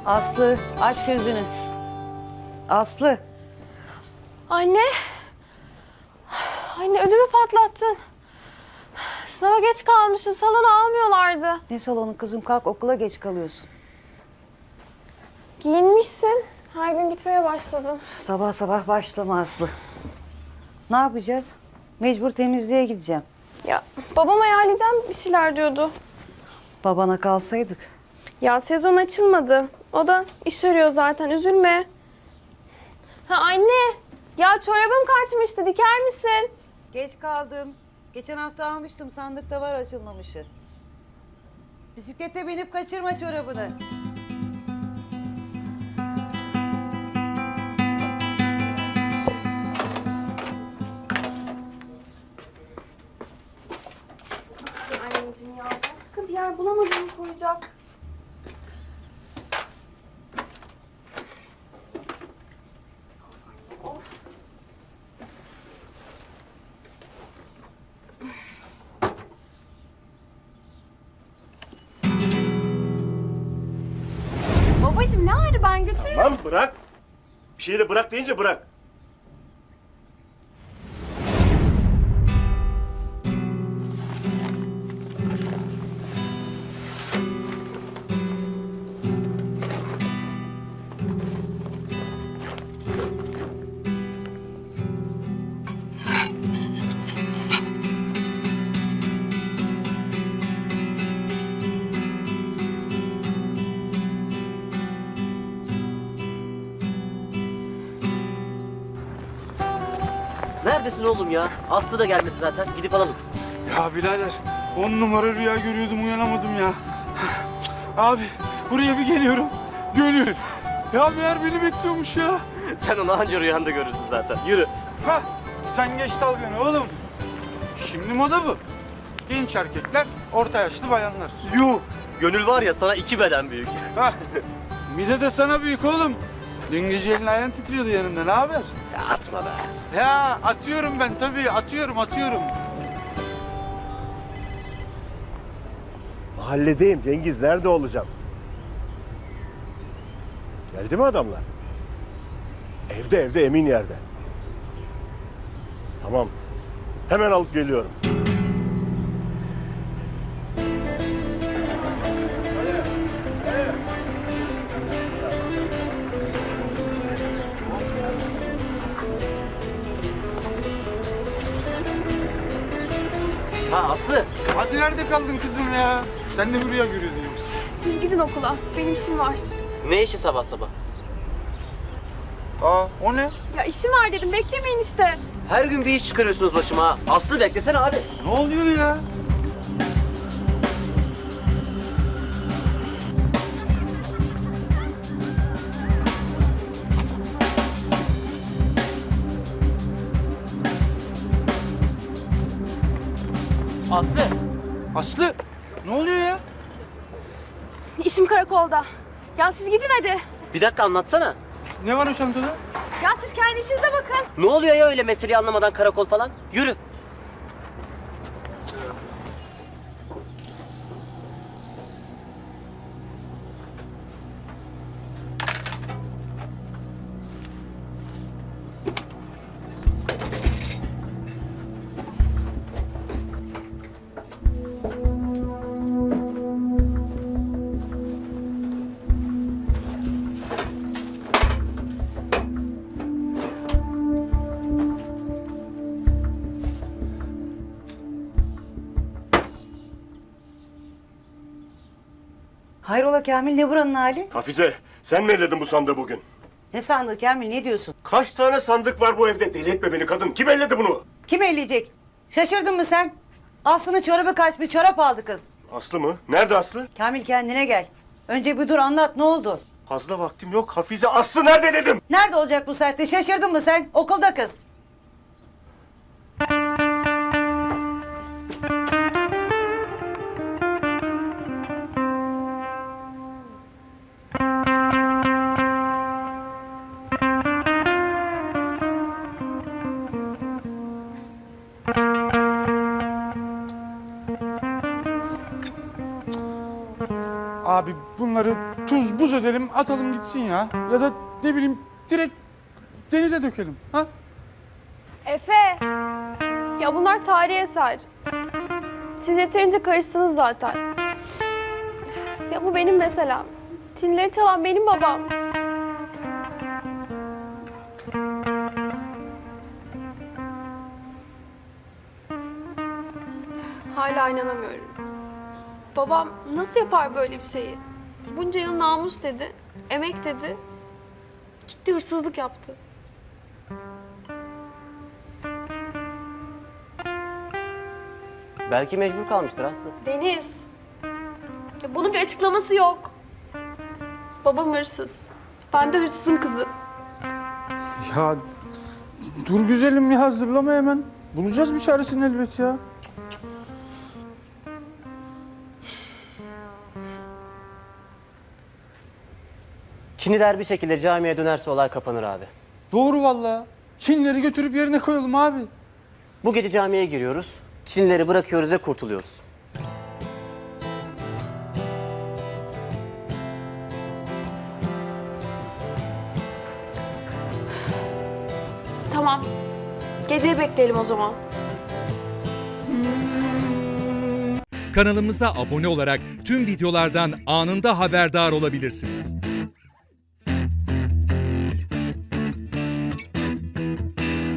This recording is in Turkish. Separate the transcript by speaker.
Speaker 1: Aslı aç gözünü. Aslı.
Speaker 2: Anne. Anne ödümü patlattın. Sınava geç kalmışım. Salona almıyorlardı.
Speaker 1: Ne salonu kızım, kalk, okula geç kalıyorsun.
Speaker 2: Giyinmişsin. Her gün gitmeye başladım.
Speaker 1: Sabah sabah başlama Aslı. Ne yapacağız? Mecbur temizliğe gideceğim.
Speaker 2: Ya babam ayarlayacağım bir şeyler diyordu.
Speaker 1: Babana kalsaydık.
Speaker 2: Ya sezon açılmadı. O da iş arıyor zaten. Üzülme. Ha anne. Ya çorabım kaçmıştı. Diker misin?
Speaker 1: Geç kaldım. Geçen hafta almıştım, sandıkta var açılmamışı. Bisiklete binip kaçırma çorabını.
Speaker 2: Anneciğim ya başka bir yer bulamadım koyacak. Of anne of. Babacığım ne ağrı, ben götürürüm.
Speaker 3: Lan bırak. Bir şeyi de bırak deyince bırak.
Speaker 4: Neredesin oğlum ya? Aslı da gelmedi zaten. Gidip alalım.
Speaker 5: Ya birader 10 numara rüya görüyordum, uyanamadım ya. Abi buraya bir geliyorum. Gönül. Ya meğer beni bekliyormuş ya.
Speaker 4: Sen onu anca rüyanda görürsün zaten. Yürü.
Speaker 5: Ha sen geç dalganı oğlum. Şimdi moda bu. Genç erkekler, orta yaşlı bayanlar.
Speaker 4: Yuh. Gönül var ya sana 2 beden büyük.
Speaker 5: Ha mide de sana büyük oğlum. Dün gece elin ayağın titriyordu yanında, ne haber?
Speaker 4: Ya atma be.
Speaker 5: Ya atıyorum ben tabii, atıyorum.
Speaker 3: Mahalledeyim Cengiz. Nerede olacağım? Geldi mi adamlar? Evde emin yerde. Tamam. Hemen alıp geliyorum.
Speaker 4: Ha Aslı.
Speaker 5: Hadi nerede kaldın kızım ya? Sen de bir rüya görüyordun yoksa?
Speaker 2: Siz gidin okula. Benim işim var.
Speaker 4: Ne işi sabah sabah?
Speaker 5: Aa o ne?
Speaker 2: Ya işim var dedim. Beklemeyin işte.
Speaker 4: Her gün bir iş çıkarıyorsunuz başıma ha. Aslı beklesene abi.
Speaker 5: Ne oluyor ya?
Speaker 4: Aslı.
Speaker 5: Aslı ne oluyor ya?
Speaker 2: İşim karakolda. Ya siz gidin hadi.
Speaker 4: Bir dakika anlatsana.
Speaker 5: Ne var o çantada?
Speaker 2: Ya siz kendi işinize bakın.
Speaker 4: Ne oluyor ya öyle meseleyi anlamadan karakol falan? Yürü.
Speaker 1: Hayrola Kamil, ne buranın hali?
Speaker 3: Hafize, sen mi elledin bu sandığı bugün?
Speaker 1: Ne sandığı Kamil, ne diyorsun?
Speaker 3: Kaç tane sandık var bu evde? Deli etme beni kadın. Kim elledi bunu?
Speaker 1: Kim elleyecek? Şaşırdın mı sen? Aslı'nın çorabı kaçmış, çorap aldı kız.
Speaker 3: Aslı mı? Nerede Aslı?
Speaker 1: Kamil kendine gel. Önce bir dur, anlat, ne oldu?
Speaker 3: Fazla vaktim yok. Hafize, Aslı nerede dedim?
Speaker 1: Nerede olacak bu saatte? Şaşırdın mı sen? Okulda kız.
Speaker 5: Abi bunları tuz buz edelim, atalım gitsin ya. Ya da ne bileyim direkt denize dökelim. Ha?
Speaker 2: Efe! Ya bunlar tarihi eser. Siz yeterince karıştınız zaten. Ya bu benim meselem. Tinleri çalan benim babam. Hala inanamıyorum. Babam nasıl yapar böyle bir şeyi? Bunca yıl namus dedi, emek dedi. Gitti hırsızlık yaptı.
Speaker 4: Belki mecbur kalmıştır Aslı.
Speaker 2: Deniz. Ya bunun bir açıklaması yok. Babam hırsız. Ben de hırsızın kızı.
Speaker 5: Ya dur güzelim ya, hazırlama hemen. Bulacağız bir çaresini elbet ya.
Speaker 4: Çinliler bir şekilde camiye dönerse olay kapanır abi.
Speaker 5: Doğru vallahi. Çinleri götürüp yerine koyalım abi.
Speaker 4: Bu gece camiye giriyoruz. Çinlileri bırakıyoruz ve kurtuluyoruz.
Speaker 2: Tamam. Geceyi bekleyelim o zaman.
Speaker 6: Kanalımıza abone olarak tüm videolardan anında haberdar olabilirsiniz.